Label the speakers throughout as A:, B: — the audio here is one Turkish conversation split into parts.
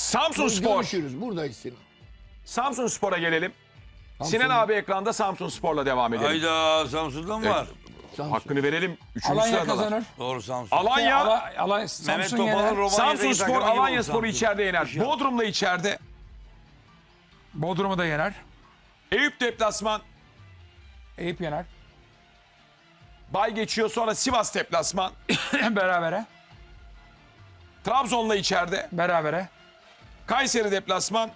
A: Samsunspor.
B: Görüşürüz. Buradayız Sinan.
A: Samsunspor'a gelelim.
B: Samsun.
A: Sinan abi ekranda Samsunspor'la devam edelim.
C: Hayda Samsun'da mı var?
B: Samsun.
A: Hakkını verelim. Üçüncü
D: Alanya
A: sıradalar.
D: kazanır.
C: Doğru Samsun.
A: Alanya,
C: Mehmet
D: Samsun
C: Topal'ın
D: yener.
C: Romanya'daki
A: Samsunspor
C: takımı gibi
A: Alanya
C: oldu
A: Spor'u
C: Samsun.
A: içeride yener. Bodrum'da içeride.
D: Bodrum'u da yener.
A: Eyüp deplasman.
D: Eyüp yener.
A: Bay geçiyor, sonra Sivas deplasman.
D: Berabere.
A: Trabzon'la içeride.
D: Berabere.
A: Kayseri deplasman.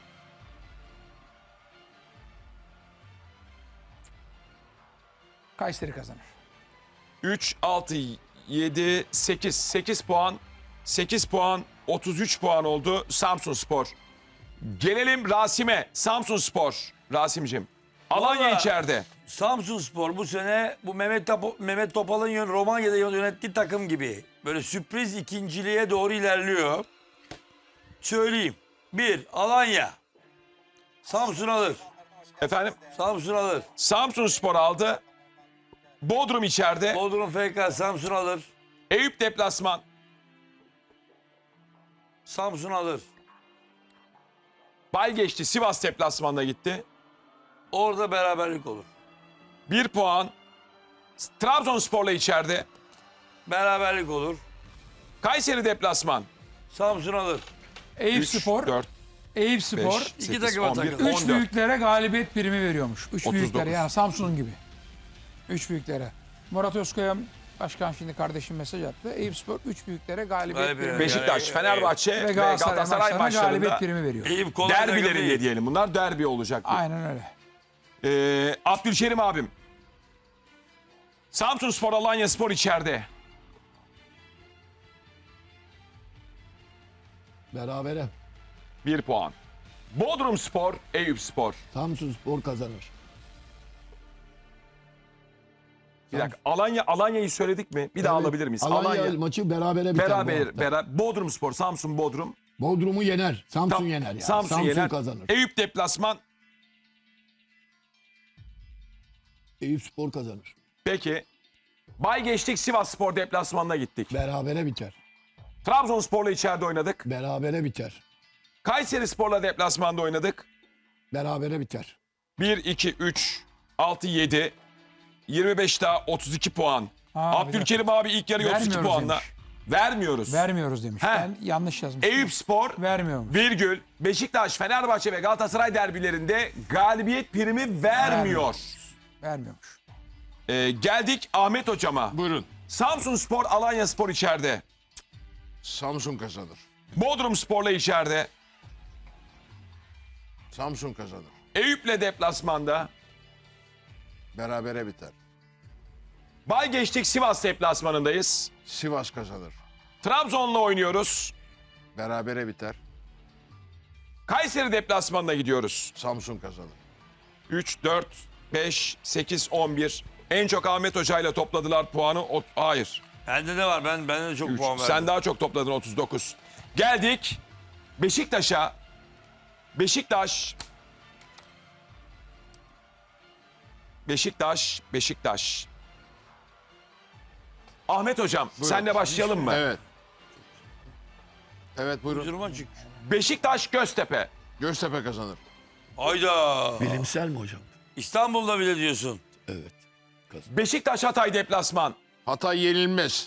D: Kayseri kazanır.
A: 3, 6, 7, 8. 8 puan. 8 puan. 33 puan oldu Samsunspor. Gelelim Rasim'e. Samsunspor. Rasim'cim. Alanya
C: Vallahi-
A: içeride.
C: Samsunspor bu sene bu Mehmet Topal'ın Romanya'da yönettiği takım gibi. Böyle sürpriz ikinciliğe doğru ilerliyor. Söyleyeyim. 1. Alanya. Samsun alır.
A: Efendim,
C: Samsun alır.
A: Samsunspor aldı. Bodrum içeride.
C: Bodrum FK Samsun alır.
A: Eyüp deplasman.
C: Samsun alır.
A: Bay geçti. Sivas deplasmanına gitti.
C: Orada beraberlik olur.
A: 1 puan. Trabzonspor'la içeride.
C: Beraberlik olur.
A: Kayseri deplasman.
C: Samsun alır.
D: Eyüp
A: 3,
D: Spor.
A: 4,
D: Eyüp Spor.
A: 5,
C: İki
A: 8,
C: takıma
A: 11,
C: takılır.
D: 3
A: 14.
D: büyüklere galibiyet primi veriyormuş. 3
A: 39.
D: büyüklere yani Samsun gibi. 3 büyüklere. Murat Özkaya başkan şimdi kardeşim mesaj attı. Eyüp Spor 3 büyüklere galibiyet
C: Galibiyet.
D: primi
A: Beşiktaş,
C: Yani,
A: Fenerbahçe ve
D: Galatasaray
A: Galatasaray
D: maçlarına galibiyet
A: maçlarında
D: primi veriyor.
C: Eyüp kolay takım
A: derbilerinde
C: değil.
A: diyelim. Bunlar derbi olacak.
D: Aynen öyle.
A: Abdülkerim abim. Samsunspor Alanya Spor içeride.
B: Berabere.
A: 1 puan. Bodrum Spor, Eyüp Spor.
B: Samsunspor kazanır.
A: Bir dakika. Alanya'yı söyledik mi? Bir daha
B: Evet,
A: alabilir miyiz?
B: Alanya maçı berabere biter bu hafta.
A: Beraber. Bodrum Spor, Samsun Bodrum.
B: Bodrum'u yener. Samsun
A: Tam-
B: yener yani.
A: Samsun yener.
B: kazanır.
A: Eyüp deplasman.
B: Eyüp Spor kazanır.
A: Peki. Bay geçtik, Sivas Spor deplasmanına gittik.
B: Berabere biter.
A: Trabzonspor'la içeride oynadık.
B: Berabere biter.
A: Kayseri Spor'la deplasmanda oynadık.
B: Berabere biter.
A: 1, 2, 3, 6, 7. 25 daha 32 puan.
D: Ha,
A: Abdülkerim abi ilk yarı 32
D: Vermiyoruz
A: puanla.
D: demiş.
A: Vermiyoruz.
D: Vermiyoruz demiş.
A: He.
D: Ben yanlış yazmışım.
A: Eyüp Spor,
D: Vermiyormuş.
A: virgül, Beşiktaş, Fenerbahçe ve Galatasaray derbilerinde galibiyet primi vermiyor.
D: Vermiyormuş.
A: Geldik Ahmet hocama.
E: Buyurun.
A: Samsunspor, Alanya Spor içeride.
E: Samsun kazanır.
A: Bodrum Spor'la içeride.
E: Samsun kazanır.
A: Eyüp'le deplasmanda.
E: Berabere biter.
A: Bay geçtik, Sivas deplasmanındayız.
E: Sivas kazanır.
A: Trabzon'la oynuyoruz.
E: Berabere biter.
A: Kayseri deplasmanına gidiyoruz.
E: Samsun kazanır.
A: 3, 4, 5, 8, 11. En çok Ahmet Hoca ile topladılar puanı. Hayır.
C: Bende de var. Ben de çok
A: 3.
C: puan verdim.
A: Sen daha çok topladın, 39. Geldik Beşiktaş'a. Beşiktaş. Ahmet hocam, senle başlayalım mı?
E: Evet. Evet buyurun.
C: Duruma çık.
A: Beşiktaş Göztepe.
E: Göztepe kazanır.
C: Hayda.
B: Bilimsel mi hocam?
C: İstanbul'da bile diyorsun.
B: Evet.
A: Beşiktaş Hatay deplasman.
E: Hatay yenilmez.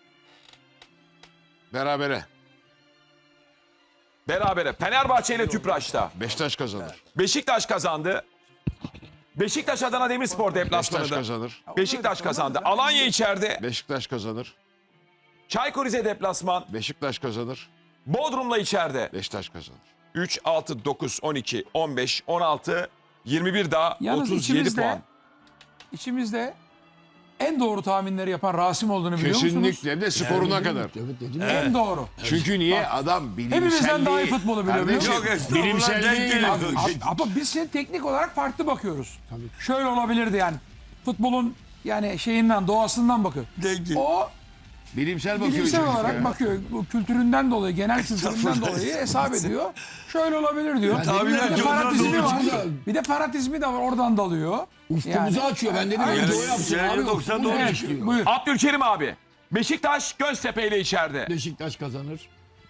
E: Berabere.
A: Berabere. Fenerbahçe ile Tüpraş'ta.
E: Beşiktaş kazanır.
A: Beşiktaş kazandı. Beşiktaş Adana Demirspor
E: Beşiktaş
A: deplasmanında.
E: kazanır.
A: Beşiktaş kazandı. Alanya içeride.
E: Beşiktaş kazanır.
A: Çaykur Rize deplasman.
E: Beşiktaş kazanır.
A: Bodrum'la içeride.
E: Beşiktaş kazanır.
A: 3, 6, 9, 12, 15, 16, 21 daha
D: Yalnız
A: 37 puan.
D: içimizde en doğru tahminleri yapan Rasim olduğunu biliyor musunuz?
E: Kesinlikle de skoruna kadar.
B: Evet dedim ya.
D: En doğru.
E: Çünkü niye? Adam bilimselliği...
D: Hepimizden daha iyi futbolu biliyor, biliyor
E: Kardeşim,
D: musun?
C: Yok, estağfurullah, denk
E: bilimselliği...
C: geliyor.
D: Ama biz şimdi teknik olarak farklı bakıyoruz. Şöyle olabilirdi yani. Futbolun yani şeyinden, doğasından bakıyor.
C: Denk geliyor.
D: O
E: Bilimsel bakıyor
D: bilimsel
E: çocuk
D: olarak
E: ya.
D: bakıyor. Bu kültüründen dolayı, genel kültüründen dolayı hesap ediyor. Şöyle olabilir diyor.
C: tahminler
D: Bir de
C: çok
D: fanatizmi
C: doğru
D: var.
B: çıkıyor.
D: Bir de fanatizmi de var, oradan dalıyor.
B: Ufkumuzu açıyor. Ben dedim
D: Aynen.
B: önce o yapsın
C: Yani
B: abi.
C: 90
B: Ufkumuzu
C: doğru
D: Evet,
B: açıyor.
D: buyur.
A: Abdülkerim abi. Beşiktaş Göztepe ile içeride.
B: Beşiktaş kazanır.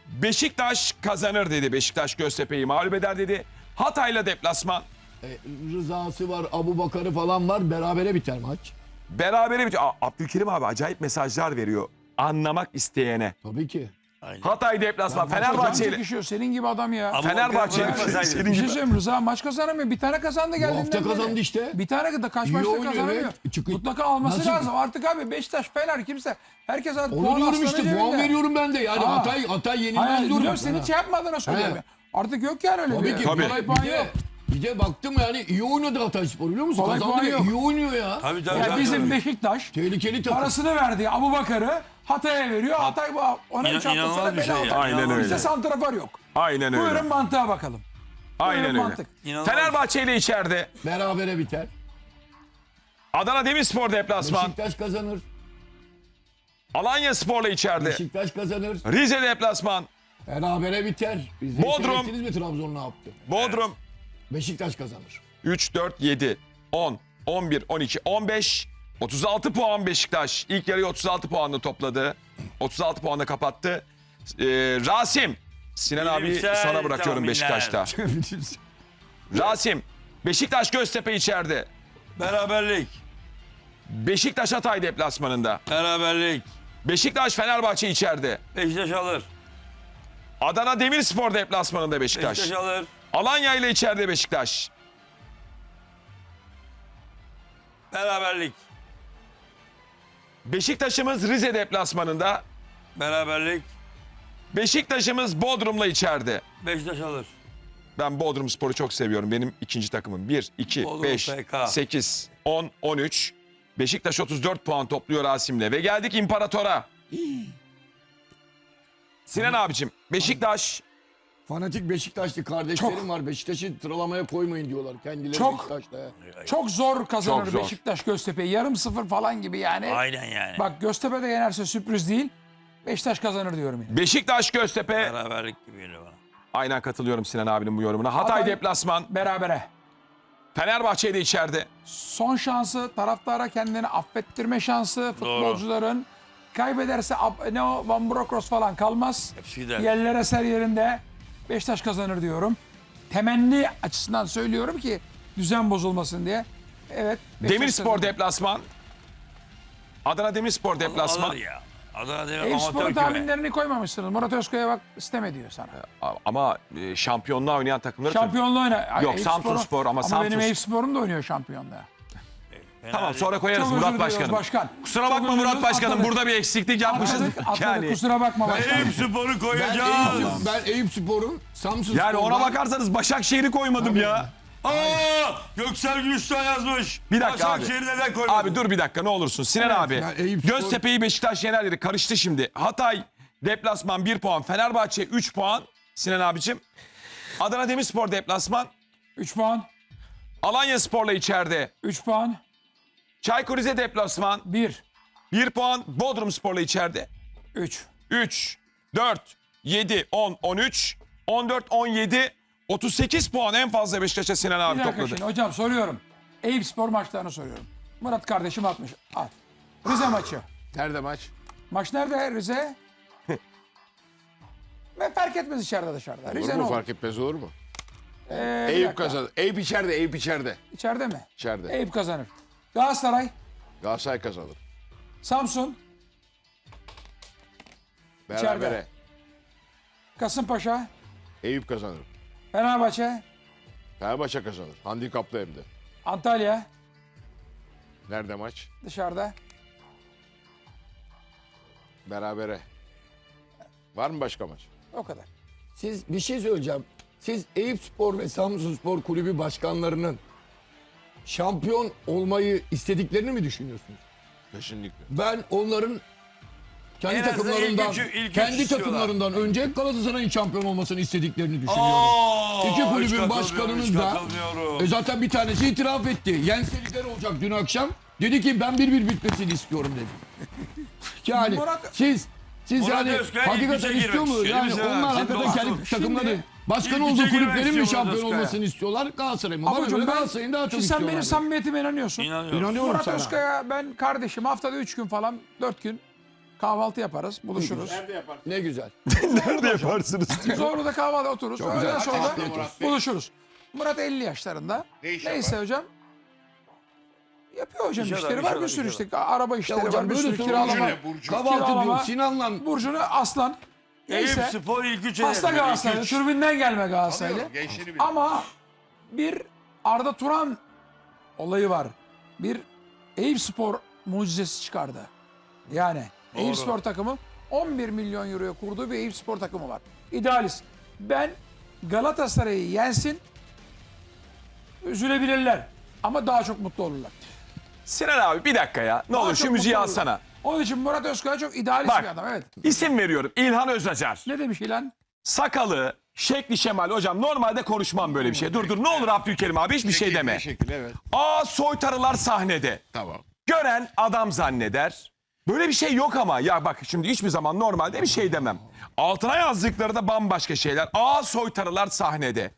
A: Beşiktaş kazanır dedi. Beşiktaş Göztepe'yi mağlup eder dedi. Hatay'la deplasman.
B: Rızası var, Abu Bakar'ı falan var. Berabere biter maç.
A: Berabere bitiyor. Abdülkerim abi acayip mesajlar veriyor. Anlamak isteyene.
B: Tabii ki.
A: Hatay deplasman.
D: Can
A: Fenerbahçe'yle.
D: çekişiyor senin gibi adam ya.
C: Ama
A: Fenerbahçe.
C: bırakmasaydın.
A: Senin
D: Bir şey
A: gibi.
D: söyleyeyim, Rıza maç kazanamıyor. Bir tane kazandı
B: Bu
D: geldiğinden
B: hafta
D: beri.
B: kazandı işte.
D: Bir tane de kaç
B: İyi
D: maçta
B: oynuyor,
D: kazanamıyor.
B: evet. Çıkın.
D: Mutlaka alması
B: Nasıl?
D: lazım. Artık abi Beşiktaş, Fener kimse. Herkes artık
B: Onu
D: puan
B: diyorum
D: aslanı
B: işte.
D: cebinde.
B: Puan veriyorum ben de. Yani
D: Aa.
B: Hatay yenilmez
D: Hayır,
B: diyorum.
D: biliyorum seni hiç yapmadığını söylüyorum.
B: He.
D: Artık yok yani öyle
B: Tabii
D: bir.
B: ki.
A: Tabii.
B: Kolay
D: Puan
B: bir
D: yok.
B: de, bir de baktım yani iyi oynadı Hatayspor biliyor musun?
D: Kolay
B: Kazandı
D: puan
B: ve
D: yok.
B: iyi oynuyor ya.
C: Tabii tabii.
D: Ya
C: tabii,
D: bizim
C: tabii.
D: Beşiktaş
B: Tehlikeli takım.
D: parasını verdiği Abu Bakar'ı Hatay'a veriyor. Hatay ona 3 hafta
C: İnanılmaz
D: sonra
C: bir şey
D: bela
C: ya.
D: aldı.
A: Aynen öyle.
D: Bizde santrafor yok.
A: Aynen öyle.
D: Buyurun mantığa bakalım.
A: Aynen
D: Buyurun
A: öyle.
D: mantık.
C: İnanılmaz.
A: Fenerbahçe ile içeride.
B: Berabere biter.
A: Adana Demirspor deplasman.
B: Beşiktaş kazanır.
A: Alanya Spor'la içeride.
B: Beşiktaş kazanır.
A: Rize deplasman.
B: Berabere biter. Biz
A: Bodrum.
B: seyrettiniz mi Trabzon ne yaptı?
A: Bodrum.
B: Beşiktaş kazanır.
A: 3, 4, 7, 10, 11, 12, 15. 36 puan Beşiktaş. İlk yarıyı 36 puanla topladı. 36 puanla kapattı. Rasim. Sinan abi
C: Bilimsel
A: sana bırakıyorum
C: tahminler.
A: Beşiktaş'ta. Rasim. Beşiktaş Göztepe içeride.
C: Beraberlik.
A: Beşiktaş Hatay deplasmanında.
C: Beraberlik.
A: Beşiktaş Fenerbahçe içeride.
C: Beşiktaş alır.
A: Adana Demirspor deplasmanında Beşiktaş.
C: Beşiktaş alır.
A: Alanya ile içeride Beşiktaş.
C: Beraberlik.
A: Beşiktaş'ımız Rize deplasmanında.
C: Beraberlik.
A: Beşiktaş'ımız Bodrum'la içeride.
C: Beşiktaş alır.
A: Ben Bodrum Spor'u çok seviyorum. Benim ikinci takımım. 1, 2,
C: Bodrum
A: 5,
C: FK.
A: 8, 10, 13. Beşiktaş 34 puan topluyor Rasim'le. Ve geldik İmparator'a. Sinan abicim, Beşiktaş
B: Fanatik Beşiktaşlı kardeşlerim var. Beşiktaş'ı sıralamaya koymayın diyorlar. Kendileri
D: Çok.
B: Beşiktaş'ta.
D: Çok zor kazanır
A: Çok zor.
D: Beşiktaş Göztepe'yi. Yarım sıfır falan gibi yani.
C: Aynen yani.
D: Bak Göztepe de yenerse sürpriz değil. Beşiktaş kazanır diyorum yani.
A: Beşiktaş Göztepe.
C: Beraberlik gibi geliyor bana.
A: Aynen katılıyorum Sinan abinin bu yorumuna. Hatay
D: Hatay-
A: deplasman.
D: Berabere.
A: Fenerbahçe de içeride.
D: Son şansı taraftara kendini affettirme şansı futbolcuların. Kaybederse ne o Van Brokros falan kalmaz.
C: Hepsi gider.
D: Yerlere ser yerinde Beşiktaş kazanır diyorum. Temenni açısından söylüyorum ki düzen bozulmasın diye. Evet. Beşiktaş
A: Demirspor
D: kazanır.
A: deplasman. Adana Demirspor deplasman.
C: Alır ya. Adana Demir
D: Eyüpspor'un
C: amatör küme.
D: tahminlerini koymamışsınız. Murat Özkaya bak isteme diyor sana.
A: Ama şampiyonluğa oynayan takımları...
D: Şampiyonluğu oyna. Ay,
A: Yok,
D: Eyüpspor'un-
A: Samsunspor ama
D: Ama
A: Samsun-
D: benim Eyüpspor'um da oynuyor şampiyonluğa.
A: Tamam sonra
D: Çok
A: koyarız
D: özür
A: Murat
D: diliyoruz
A: Başkanım.
D: başkan.
A: Kusura
D: Çok
A: bakma
D: özür
A: Murat
D: diliyoruz,
A: Başkanım.
D: atladık.
A: Burada bir eksiklik yapmışız.
D: Atladık,
A: Yani,
D: kusura bakma başkanım.
C: Eyüpspor'u koyacağız.
B: Ben Eyüpspor'un Samsun
A: yani ona
B: Spor'dan-
A: bakarsanız Başakşehir'i koymadım ya.
C: Aa, Göksel Gülüştağ yazmış.
A: Bir dakika abi.
C: Başakşehir'i neden koymadın?
A: Abi dur bir dakika ne olursun. Sinan abi.
B: yani Eyüpspor-
A: Göztepe'yi Beşiktaş yener dedi. Karıştı şimdi. Hatay deplasman 1 puan. Fenerbahçe 3 puan. Sinan abicim. Adana Demirspor deplasman.
D: 3 puan.
A: Alanya Spor'la içeride.
D: 3 puan.
A: Çaykur Rize deplasman.
D: 1.
A: 1 puan. Bodrum Spor'la içeride.
D: 3.
A: 3, 4, 7, 10, 13, 14, 17, 38 puan en fazla Beşiktaş'a Sinan abi
D: Bir dakika
A: topladı.
D: şimdi hocam soruyorum. Eyüpspor maçlarını soruyorum. Murat kardeşim atmış. Al. Rize maçı.
E: Nerede maç?
D: Maç nerede Rize? Ve fark etmez içeride dışarıda.
E: Olur
D: Rize ne
E: mu?
D: olur?
E: Fark etmez olur mu?
D: Bir
E: Eyüp
D: dakika.
E: kazanır. Eyüp içeride, Eyüp içeride.
D: İçeride mi?
E: İçeride.
D: Eyüp kazanır. Galatasaray,
E: Galatasaray kazanır.
D: Samsun,
E: Berabere.
D: Kasımpaşa,
E: Eyüp kazanır.
D: Fenerbahçe,
E: Fenerbahçe kazanır. Handikaplı hem de.
D: Antalya
E: Nerede maç?
D: dışarıda.
E: Berabere. Var mı başka maç?
D: O kadar.
B: Siz bir şey söyleyeceğim. Siz Eyüpspor ve Samsunspor Kulübü başkanlarının şampiyon olmayı istediklerini mi düşünüyorsunuz?
E: Kesinlikle.
B: Ben onların kendi
C: En azından
B: takımlarından
C: ilk üç
B: kendi
C: istiyorlar.
B: takımlarından önce Galatasaray'ın şampiyon olmasını istediklerini düşünüyorum.
C: Aa,
B: İki
C: hiç
B: kulübün
C: katılmıyorum,
B: başkanının
C: hiç
B: da
C: katılmıyorum.
B: zaten bir tanesi itiraf etti. Yenselikler olacak dün akşam. Dedi ki ben 1-1 bitmesini istiyorum dedi. Yani
D: Murat-
B: siz
C: Murat
B: yani
C: Özkaya
B: hakikaten
C: ilk üçe
B: istiyor
C: girmek
B: mu?
C: istiyor,
B: Yani
C: değil mi?
B: onlar
C: Senin
B: hakikaten
C: dostun.
B: kendi takımları
D: Şimdi
B: başkan
C: ilk
B: olduğu
C: üçe girmek
B: kulüplerin mi
C: istiyor
B: şampiyon
C: Murat Özkaya.
B: olmasını istiyorlar? Galatasaray mı? Bana
D: Abucum
B: göre
D: ben,
B: Galatasaray'ın daha çok
D: şimdi sen
B: istiyorlar.
D: benim samimiyetime inanıyorsun.
C: İnanıyorum.
B: İnanıyorum
D: Murat
B: sana.
D: Özkaya ben kardeşim haftada 3 gün falan 4 gün Kahvaltı yaparız, buluşuruz.
E: Nerede yaparsın?
B: Ne güzel.
A: Nerede yaparsınız?
D: Sonra kahvaltı otururuz.
B: Çok
D: Öğleden
B: güzel.
D: sonra
B: Afiyet olsun.
D: buluşuruz. Murat 50 yaşlarında.
E: Ne iş
D: Neyse
E: yapar?
D: hocam. Yapıyor hocam
C: İnşallah,
D: işleri var. Bir
C: inşallah,
D: sürü
C: inşallah.
D: işte. Araba
B: Ya
D: işleri
B: hocam
D: var. Bir
B: böyle
D: sürü
B: sorun
D: kiralama.
E: Burcu ne, Burcu?
B: Kahvaltı
D: Kiralama.
B: diyor Sinan'la.
D: Burcu'nu Aslan.
C: Eyüp
D: Neyse.
C: Spor ilk 3
D: Hasta Galatasaraylı.
C: üç.
D: Tribünden gelme Galatasaraylı.
E: Tanıyorum, gençliğini biliyorum.
D: Ama bir Arda Turan olayı var. Bir Eyüp Spor mucizesi çıkardı. Yani Eyüp Spor takımı 11 milyon euroya kurduğu bir Eyüp Spor takımı var. İdealist. Ben Galatasaray'ı yensin, üzülebilirler ama daha çok mutlu olurlar.
A: Sinan abi bir dakika ya. Ne
D: Daha
A: olur
D: çok
A: şu müziği
D: mutlu olurlar.
A: alsana.
D: Onun için Murat Özkaya çok idealist
A: Bak.
D: bir adam. Evet.
A: İsim veriyorum. İlhan Özacar.
D: Ne demiş İlhan?
A: Sakalı, şekli şemali. Hocam normalde konuşmam böyle bir şey. Dur ne olur Abdülkerim abi hiçbir şey deme.
E: Teşekkür, evet.
A: Aa soytarılar sahnede.
E: Tamam.
A: Gören adam zanneder. Böyle bir şey yok ama. Ya bak şimdi hiçbir zaman normalde bir şey demem. Altına yazdıkları da bambaşka şeyler. Aa soytarılar sahnede.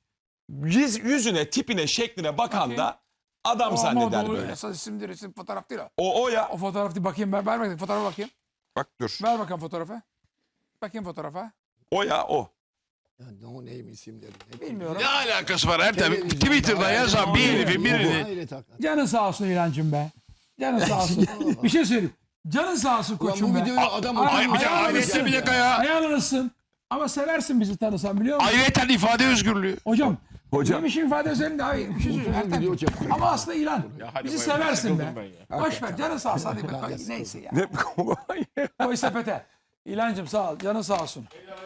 A: Yüzüne, tipine, şekline bakan da adam zanneder böyle.
D: Esas isimdir, isim fotoğraf değil o.
A: O ya.
D: O fotoğraf değil. Bakayım ver bakayım. Fotoğrafa bakayım.
A: Bak dur.
D: Ver bakalım fotoğrafa. Bakayım fotoğrafa.
A: O ya o.
B: Ya no name isimleri.
D: Bilmiyorum.
E: Ne alakası var Ertem?
B: Televizyon,
E: Twitter'da
B: hayır,
E: yazan bir herifin birini.
B: Hayret hakikaten.
D: Canın sağ olsun İlhancığım be. Canın sağ olsun. Bir şey söyleyeyim. Canın sağ olsun
B: Ulan
D: koçum
B: bu
D: be.
B: videoyu adam
D: Ay-
E: Ay, bir de
D: Ayağını
E: ailesi
D: ısın.
E: bir dakika ya.
D: Ayağını ısın. Ama seversin bizi tanısan biliyor musun?
E: Ayrıca ifade özgürlüğü.
D: Hocam.
A: Hocam.
D: Neymişim ifade üzerinde abi. Bir şey söyleyeyim.
B: Uzun video çekiyor.
D: Ama aslında İlhan.
E: hadi
D: Bizi
E: bay bay,
D: seversin be.
E: sıkıldım ben ya.
D: Boş ver. Canın sağ olsun. Hadi be. Neyse ya.
A: Ne?
D: Koy sepete. İlhancığım sağ ol. Canın sağ olsun.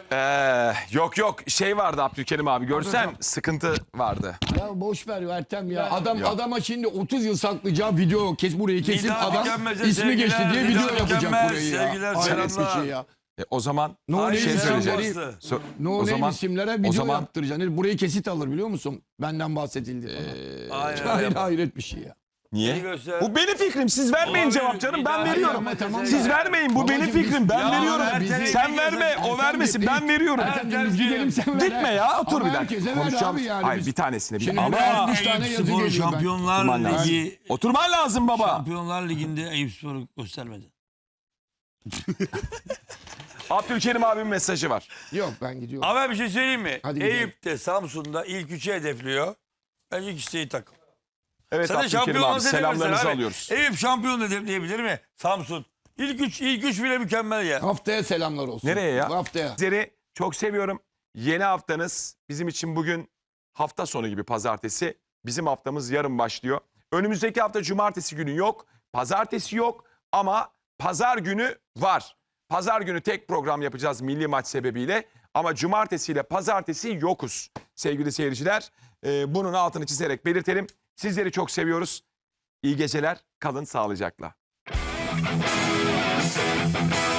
A: Yok şey vardı Abdülkerim abi görsen
D: Hocam.
A: sıkıntı vardı.
B: Ya boş ver Ertem ya.
A: Yok.
B: Adama şimdi 30 yıl saklayacağı video burayı kesip
C: Nida
B: adam
C: Mükemmel'e
B: ismi geçti
C: sevgiler,
B: diye
C: Nida
B: video yapacak
C: Mükemmel,
B: burayı ya.
C: sevgiler,
B: Hayret bir
C: selamlar.
B: şey ya.
A: O zaman
B: No
C: Ay,
B: name
A: şey
C: selam
A: söyleyeceğim.
C: bastı.
B: No
A: o
B: name
A: zaman
B: isimlere
A: o
B: video
A: zaman
B: yaptıracaksın. Burayı kesit alır biliyor musun? Benden bahsedildi.
C: Aynen.
B: Hayret bir şey ya.
A: niye?
C: Neyi göster?
A: Bu benim fikrim. Siz vermeyin
C: Olabilir.
A: cevap canım.
C: Bir
A: Ben
C: daha
A: veriyorum.
B: ama tamam
A: Siz
B: da-
A: vermeyin. Bu
B: Babacım
A: benim
B: biz-
A: fikrim. Ben
C: Ya
A: veriyorum.
C: Ertem
A: Sen
C: Bey,
A: verme. O
B: Ertem
A: vermesin.
B: Bey,
A: Ben veriyorum.
B: Ertem biz gidelim sen ver.
A: Gitme ya. Otur
B: Ama
A: bir dakika.
B: herkese ver
A: Konuşacağım.
B: abi yani
A: Hayır
B: biz.
A: bir tanesini.
B: Şimdi
A: Ama
B: ben 60 tane
C: Eyüp
B: yazı
C: Spor
B: geliyor ben.
C: Şampiyonlar
A: Oturman lazım.
C: Ligi
A: Oturman lazım baba.
C: Şampiyonlar Ligi'nde Eyüp Spor'u göstermedi.
A: Abdülkerim abimin mesajı var.
B: Yok ben gidiyorum.
C: Ama bir şey söyleyeyim mi?
B: Hadi gidelim.
C: Eyüp'te Samsun'da ilk 3'ü hedefliyor. Bence ikisi iyi takım.
A: Evet
C: Sen de
A: Abdülkerim
C: şampiyon
A: abi
C: olması
A: selamlarınızı
C: hedeflesin abi.
A: alıyoruz.
C: Eyüp şampiyon hedefleyebilir mi? Samsun. İlk üç bile mükemmel ya.
B: Haftaya selamlar olsun.
A: Nereye ya?
B: Haftaya.
A: Sizleri çok seviyorum. Yeni haftanız bizim için bugün hafta sonu gibi pazartesi. Bizim haftamız yarın başlıyor. Önümüzdeki hafta cumartesi günü yok. Pazartesi yok ama pazar günü var. Pazar günü tek program yapacağız milli maç sebebiyle. Ama cumartesi ile pazartesi yokuz sevgili seyirciler. Bunun altını çizerek belirtelim. Sizleri çok seviyoruz. İyi geceler. Kalın sağlıcakla.